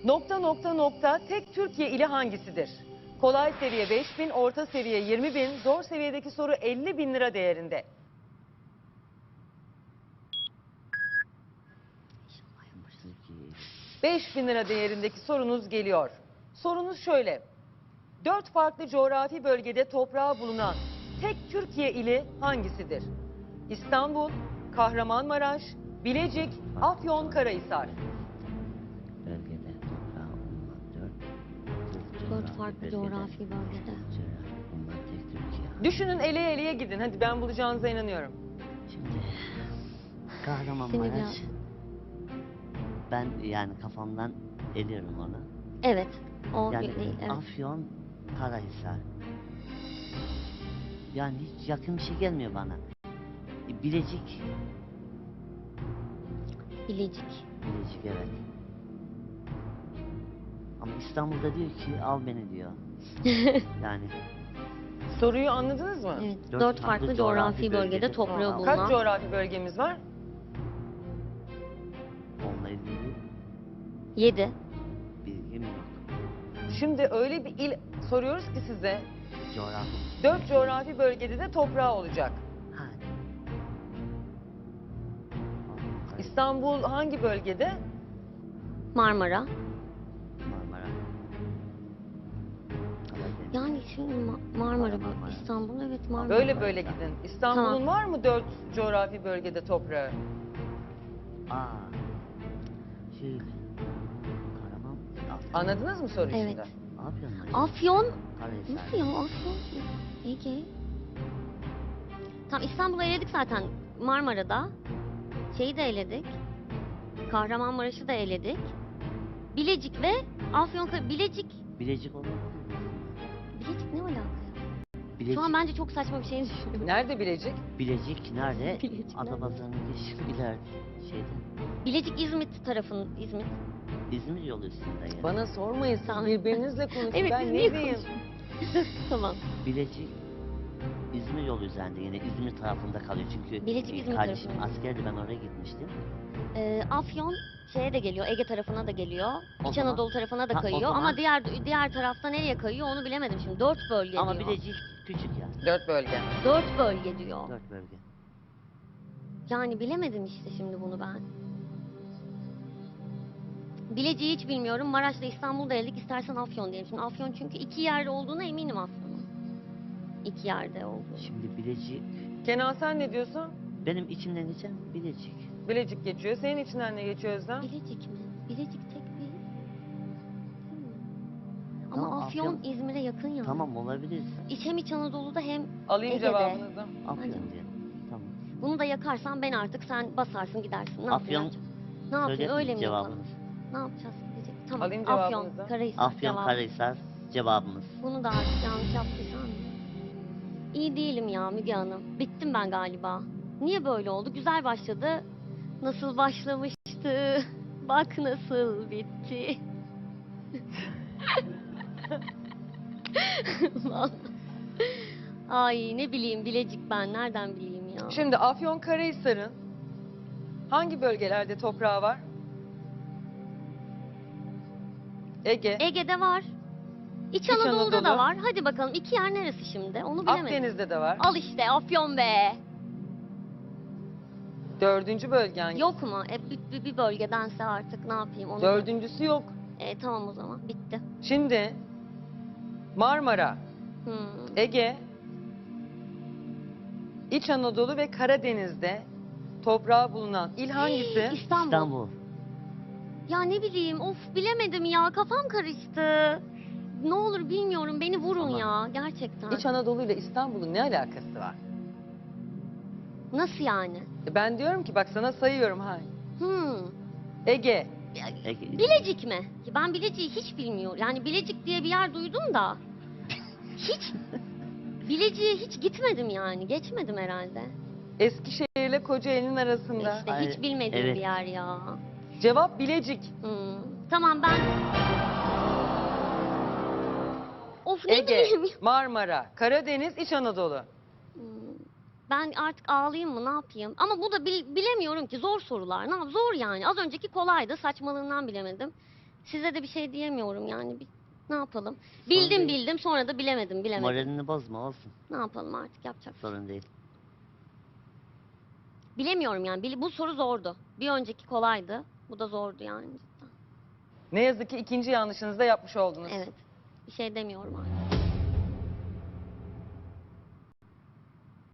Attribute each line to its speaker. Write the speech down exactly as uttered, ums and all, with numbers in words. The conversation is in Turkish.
Speaker 1: Nokta nokta nokta tek Türkiye ili hangisidir? Kolay seviye beş bin, orta seviye yirmi bin, zor seviyedeki soru elli bin lira değerinde. beş bin lira değerindeki sorunuz geliyor. Sorunuz şöyle. Dört farklı coğrafi bölgede toprağı bulunan tek Türkiye ili hangisidir? İstanbul, Kahramanmaraş, Bilecik, Afyonkarahisar.
Speaker 2: Bölgede toprağı bulunan dört,
Speaker 3: Dört farklı coğrafi bölgede.
Speaker 2: Bunlar tek Türkiye.
Speaker 1: Düşünün, eleye eleye gidin. Hadi, ben bulacağınıza inanıyorum.
Speaker 2: Şimdi
Speaker 3: Seni
Speaker 2: Kahramanmaraş.
Speaker 3: biraz-
Speaker 2: Ben yani kafamdan eliyorum onu.
Speaker 3: Evet. O
Speaker 2: Yani
Speaker 3: değil. Evet.
Speaker 2: Afyon, Karahisar. Yani hiç yakın bir şey gelmiyor bana. E, Bilecik.
Speaker 3: Bilecik.
Speaker 2: Bilecik, evet. Ama İstanbul'da diyor ki al beni diyor. Yani
Speaker 1: Soruyu anladınız mı?
Speaker 3: Evet.
Speaker 2: Dört
Speaker 3: Dört,
Speaker 2: farklı
Speaker 3: farklı
Speaker 2: coğrafi
Speaker 3: coğrafi bölgede
Speaker 2: bölgede
Speaker 3: toprağı
Speaker 2: toprağı
Speaker 3: bulunan.
Speaker 1: Kaç coğrafi bölgemiz var?
Speaker 2: onunla ilgili
Speaker 3: Yedi.
Speaker 2: bilgim yok.
Speaker 1: Şimdi öyle bir il soruyoruz ki size.
Speaker 2: Coğrafi.
Speaker 1: Dört coğrafi bölgede de toprağı olacak.
Speaker 2: Ha.
Speaker 1: İstanbul hangi bölgede?
Speaker 3: Marmara.
Speaker 2: Marmara. Karadeniz.
Speaker 3: Yani şimdi Ma- Marmara,
Speaker 2: Marmara.
Speaker 3: İstanbul, evet Marmara.
Speaker 1: Böyle böyle gidin. İstanbul'un
Speaker 3: Tamam.
Speaker 1: var mı dört coğrafi bölgede toprağı?
Speaker 2: Aa. Şöyle. Karaman. Afyon.
Speaker 1: Anladınız mı soruyu
Speaker 3: Evet.
Speaker 1: şimdi?
Speaker 2: Ne yapıyorsun lan?
Speaker 3: Afyon.
Speaker 2: Karahisar.
Speaker 3: Nasıl ya Afyon? Ege. Tamam, İstanbul'u eledik zaten. Marmara'da. Şeyi de eledik. Kahramanmaraş'ı da eledik. Bilecik ve Afyon. Bilecik.
Speaker 2: Bilecik olabilir mi?
Speaker 3: Bilecik ne alaka?
Speaker 2: Bilecik.
Speaker 3: Şu an bence çok saçma bir şey düşünüyorum.
Speaker 1: Nerede Bilecik?
Speaker 2: Bilecik nerede?
Speaker 3: Bilecik nerede?
Speaker 2: Atapazarı'nın geçişi ileride. Şeyde.
Speaker 3: Bilecik İzmit tarafın İzmit.
Speaker 2: İzmir yolu üstünde yani.
Speaker 1: Bana sormayın, siz
Speaker 3: Tamam.
Speaker 1: birbirinizle konuşun.
Speaker 3: Evet,
Speaker 1: Ben
Speaker 3: biz
Speaker 1: ne
Speaker 3: niye
Speaker 1: diyeyim?
Speaker 3: Tamam.
Speaker 2: Bilecik İzmir yolu üzerinde, yine İzmir tarafında kalıyor çünkü
Speaker 3: Bilecik,
Speaker 2: e,
Speaker 3: İzmir
Speaker 2: kardeşim
Speaker 3: tarafında.
Speaker 2: askerdi, ben oraya gitmiştim.
Speaker 3: Ee, Afyon şeye de geliyor, Ege tarafına da geliyor.
Speaker 2: O
Speaker 3: İç
Speaker 2: zaman-
Speaker 3: Anadolu tarafına da
Speaker 2: Ha, o
Speaker 3: kayıyor
Speaker 2: zaman-
Speaker 3: ama diğer diğer tarafta nereye kayıyor onu bilemedim şimdi. Dört bölge
Speaker 2: Ama
Speaker 3: diyor.
Speaker 2: Bilecik küçük ya.
Speaker 1: Dört bölge.
Speaker 3: Dört bölge diyor.
Speaker 2: Dört bölge.
Speaker 3: Yani bilemedim işte şimdi bunu ben. Bilecik'i hiç bilmiyorum. Maraş'la İstanbul'da eledik. İstersen Afyon diyelim. Şimdi Afyon çünkü iki yerde olduğuna eminim Afyon'un. İki yerde olduğunu.
Speaker 2: Şimdi Bilecik,
Speaker 1: Kenan, sen ne diyorsun?
Speaker 2: benim içimden geçen Bilecik.
Speaker 1: Bilecik geçiyor. Senin içinden ne geçiyor Özlem?
Speaker 3: Bilecik mi? Bilecik tek bir... Hmm. Ama
Speaker 2: Tamam,
Speaker 3: Afyon,
Speaker 2: Afyon-
Speaker 3: İzmir'e yakın ya.
Speaker 2: Tamam, olabilir.
Speaker 3: İç hem İç Anadolu'da hem
Speaker 1: Alayım
Speaker 3: Ege'de.
Speaker 1: cevabınızı.
Speaker 2: Afyon
Speaker 3: Hadi.
Speaker 2: diyelim. Tamam.
Speaker 3: Bunu da yakarsan ben artık sen basarsın gidersin. Ne
Speaker 2: Afyon,
Speaker 3: yapayım? Ne yapayım?
Speaker 2: Söyledin
Speaker 3: Öyle
Speaker 2: mi
Speaker 3: mi yapalım?
Speaker 2: cevabınız?
Speaker 3: Ne yapacağız? Bilecik. Tamam.
Speaker 1: Alayım
Speaker 3: Afyon,
Speaker 1: cevabınızı.
Speaker 3: Karahisar
Speaker 2: Afyon,
Speaker 3: cevabı.
Speaker 2: Karahisar cevabımız.
Speaker 3: Bunu da artık yanlış yaptıysam. İyi değilim ya Müge Hanım. Bittim ben galiba. Niye böyle oldu? Güzel başladı. Nasıl başlamıştı? Bak nasıl bitti. Vallahi. Ay ne bileyim Bilecik ben. Nereden bileyim ya?
Speaker 1: Şimdi Afyonkarahisar'ın hangi bölgelerde toprağı var? Ege,
Speaker 3: Ege'de var. İç,
Speaker 1: İç
Speaker 3: Anadolu'da
Speaker 1: Anadolu.
Speaker 3: da var. Hadi bakalım iki yer neresi şimdi? Onu bilemedim.
Speaker 1: Akdeniz'de de var.
Speaker 3: Al işte Afyon be.
Speaker 1: Dördüncü bölge hangisi?
Speaker 3: Yok mu? E, bir, bir- bir bölgedense artık ne yapayım? Onu
Speaker 1: Dördüncüsü yok.
Speaker 3: E, tamam o zaman bitti.
Speaker 1: Şimdi Marmara,
Speaker 3: Hmm.
Speaker 1: Ege, İç Anadolu ve Karadeniz'de toprağı bulunan il hangisi?
Speaker 3: İstanbul.
Speaker 2: İstanbul.
Speaker 3: Ya ne bileyim of bilemedim ya kafam karıştı. Ne olur bilmiyorum beni vurun
Speaker 2: Ama-
Speaker 3: ya gerçekten.
Speaker 1: İç Anadolu ile İstanbul'un ne alakası var?
Speaker 3: Nasıl yani?
Speaker 1: E Ben diyorum ki bak, sana sayıyorum ha.
Speaker 3: Hmm.
Speaker 1: Ege,
Speaker 2: Ege.
Speaker 3: Bilecik mi? Ya Ben Bilecik'i hiç bilmiyorum. Yani Bilecik diye bir yer duydum da. Hiç. Bilecik'e hiç gitmedim yani. Geçmedim herhalde.
Speaker 1: Eskişehir ile Kocaeli'nin arasında.
Speaker 3: İşte
Speaker 2: Ay,
Speaker 3: hiç bilmediğim
Speaker 2: evet.
Speaker 3: bir yer ya.
Speaker 1: Cevap Bilecik.
Speaker 3: Hmm. Tamam ben... Of ne
Speaker 1: Ege,
Speaker 3: bileyim.
Speaker 1: Marmara, Karadeniz, İç Anadolu.
Speaker 3: Hmm. Ben artık ağlayayım mı ne yapayım? Ama bu da bil- bilemiyorum ki zor sorular. Ne yap- Zor yani. Az önceki kolaydı. Saçmalığından bilemedim. Size de bir şey diyemiyorum yani. Bir, ne yapalım? Bildim
Speaker 2: değil.
Speaker 3: bildim sonra da bilemedim bilemedim.
Speaker 2: Moralini bozma, olsun.
Speaker 3: Ne yapalım artık, yapacak bir şey.
Speaker 2: Sorun değil.
Speaker 3: Bilemiyorum yani. Bil- Bu soru zordu. Bir önceki kolaydı. Bu da zordu yani cidden.
Speaker 1: Ne yazık ki ikinci yanlışınızı da yapmış oldunuz.
Speaker 3: Evet. Bir şey demiyorum artık.